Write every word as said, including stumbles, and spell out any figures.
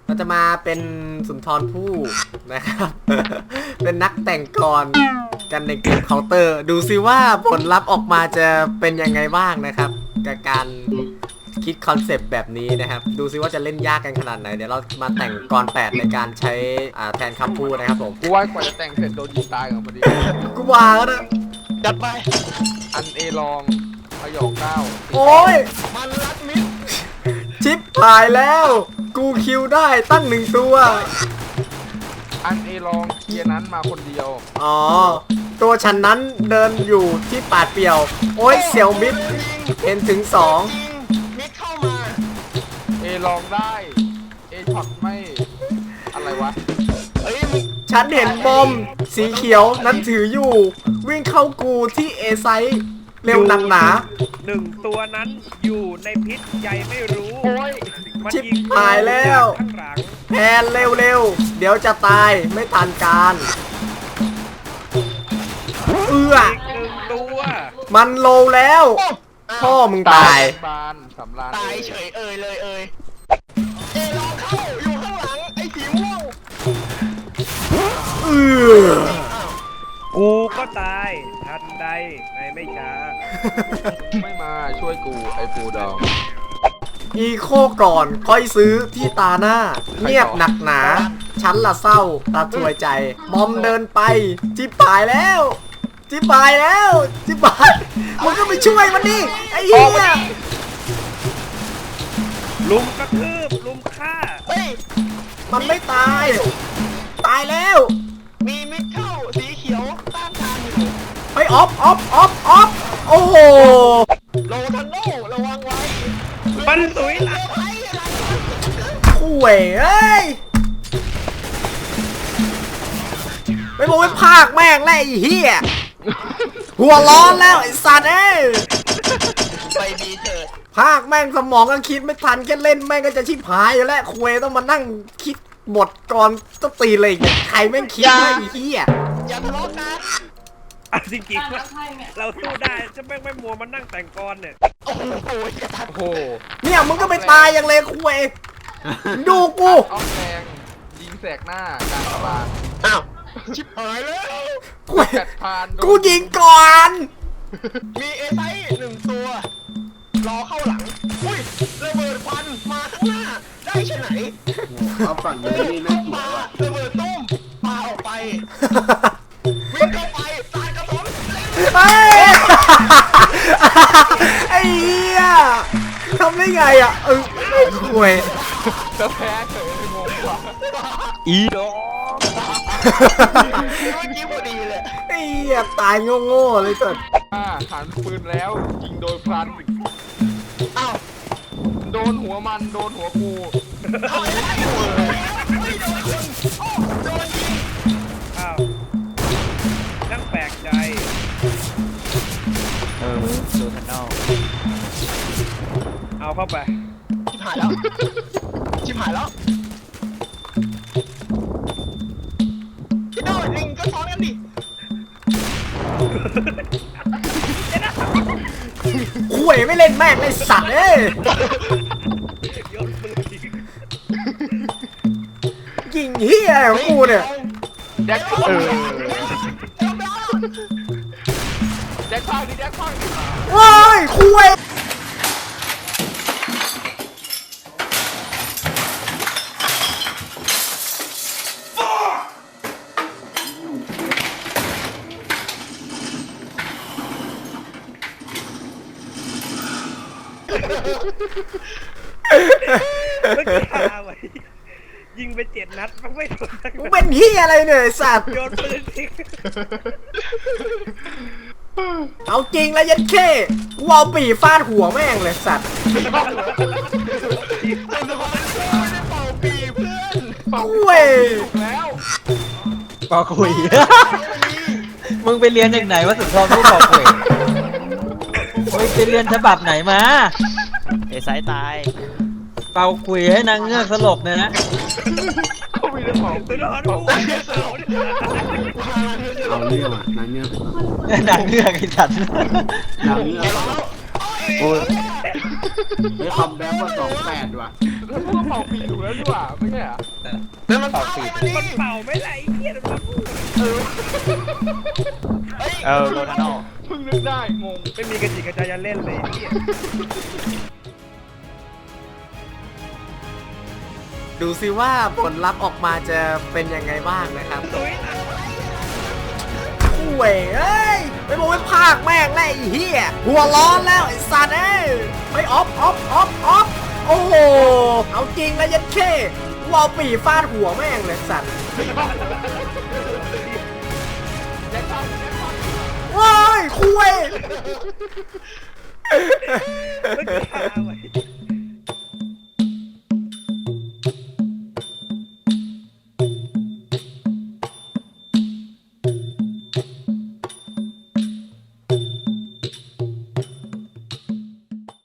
เราจะมาเป็นสุนทรภู่นะครับ เป็นนักแต่งกรกันในเกมเคาน์เตอร์ดูซิว่าผลลัพธ์ออกมาจะเป็นยังไงบ้างนะครับกับการคิดคอนเซปต์แบบนี้นะครับดูซิว่าจะเล่นยากกันขนาดไหนเดี๋ยวเรามาแต่งกรแปดในการใช้แทนคำพูดนะครับผมกูว่ากว่าจะแต่งเสร็จโดนยิงตายกันพอดีกูว่าแล้วนะจัดไปอันเอลองพยองเก้าโอ้ยมันรัดมิดชิปหายแล้วกูคิวได้ตั้งหนึ่งตัวอันเอลองเคลียร์นั้นมาคนเดียวอ๋อตัวฉันนั้นเดินอยู่ที่ป่าเปี่ยวโอ้ยเสี่ยวมิดเห็นถึงสองยิงมิดเข้ามาเอลองได้เอช็อตไม่อะไรวะเอ้ยมึงฉันเห็นบอมสีเขียวนั้นถืออยู่ วิ่งเข้ากูที่เอไซส์เร็วหนักหนาหนึ่งตัวนั้นอยู่ในพิษใหญ่ไม่รู้โอ้ยมันชิบยิงหายแล้วข้างหลังแพนเร็วๆเดี๋ยวจะตายไม่ทันการเอื้ออีกหนึ่งตัวมันโลแล้วพ่อมึงตายบานสำราญตายเฉยเอ่ยเลยเอ่ยเอลองเข้าอยู่ข้างหลังไอ้สีม่วงเอื้อกูก็ตายทันใดในไม่ช้าไม่มาช่วยกูไอ้ปูดองอีโคก่อนค่อยซื้อที่ตาหน้า เงียบหนักหนา ฉันละเศร้าตาถวยใจบอมเดินไปจิบปายแล้วจิบปายแล้วจิบปายมึงก็ไปช่วยมันดิไอ้เหี้ยลุมกระทืบลุมฆ่าเฮ้ยมันไม่ตาย ตายแล้วมีมิดเข้าสีเขียวต้านทานอยู่ไปออฟออฟออฟออฟโอ้โหโลทันโนระวังไว้มันสวยหลังไอ้อะไรข่วยเอ้ยไม่บอกไม่พากแม่งแล้วไอ้เหี้ยหัวร้อนแล้วไอ้สัตว์เอ้ยไปบีเถิดภาคแม่งสมองก็คิดไม่ทันแค่เล่นแม่งก็จะชิบหายอยู่แล้วคุยต้องมานั่งคิดบทก่อนต้องตีเลยเนี่ยใครแม่งคิดได้ไอ้เหี้ยอย่าทะเลาะกันอ่ะจริงๆว่าเราสู้ได้จะไม่ไม่มัวมานั่งแต่งกรเนี่ยโอ้โหอย่าทัดโอ้โหเนี่ยมึงก็ไปตายอย่างเลยคุยดูกูออฟแดงยิงแสกหน้ากลางตลาดอ้าวชิบหายแล้วคุยแปดพันโดนกูยิงก่อนมีเอไซหนึ่งตัว รอเข้าหลัง อุ้ยระเบิดควันมาข้างหน้า ได้ใช่ไหนเอาฝั่งนี้นี่น่าเกลียปาดว่ะระเบิดตุ้มปาออกไป วิ่งเข้าไปสาดกระสุนเฮ้ยไอ้เหี้ยทำได้ไงอ่ะเออคุยจะแพ้เฉยเลยงงกว่าอีดอกเมื่อกี้พอดีเลยไอ้เหี้ยตายโง่ๆเลยสุดอ่าหันปืนแล้วยิงโดยพลันอ้าวโดนหัวมันโดนหัวกูเอาไอ้หัวเลยไม่โดนคนโอ้โดนยิงอ้าวนั่งแปลกใจเออดูทันนอเอาเข้าไปชิบหายแล้ว ชิบหายแล้วพี่โน่ลิงก็ซ้อนกันดิคุยไม่เล่นแม่งไอ้สัตว์เอ้ยโยนปืนยิงยิงเหี้ยของกูเนี่ยแจ็คเออแจ็คพากดิแจ็คพากดิว้ายคุยไม่กล้าไว้ยิงไปเจ็ดนัดมันไม่โดนสักมึงนัดเป็นเหี้ยอะไรเนี่ยไอ้สัตว์โยนปืนทิ้งเอาจริงแล้วยันเข้กูเอาปีฟาดหัวแม่งเลยสัตว์ไม่ได้เป่าปีเพื่อนคุยแล้วปอคุย มึงไปเรียนจากไหนวะสุนทรภู่ปอคุยมึงไปเรียนฉบับไหนมาเอสายตายเป่าคุยให้นางเงือกสลบเนี่ยนะเขามีแต่ของตัวนอนหัวเขาเนี่ยเอาเรื่องอ่ะนางเงือกนางเงือกไอ้สัตว์นางเงือกเอโอ้ยไม่คำแบ็กว่าสองแปดว่ะแล้วก็เป่าปีอยู่แล้วดีกว่าไม่ใช่เหรอแล้วมันเป่าปีมันเป่าไม่ไหลเหี้ยมันพูดเออโรนัลโดเพิ่งนึกได้งงไม่มีกระจิกกระใจจะเล่นเลยเหี้ยดูสิว่าผลลัพธ์ออกมาจะเป็นยังไงบ้างนะครับตุ้ยนะเว้ยเอ้ยไม่บอกไม่พากแม่งแล้วไอ้เหี้ยหัวร้อนแล้วไอ้สัตว์เอ้ยไปออฟออฟออฟออฟโอ้โหเอาจริงแล้วยัดเข้วเอาปีฟาดหัวแม่งเลยสัตว์ว้ายคุยมันฆ่าไว้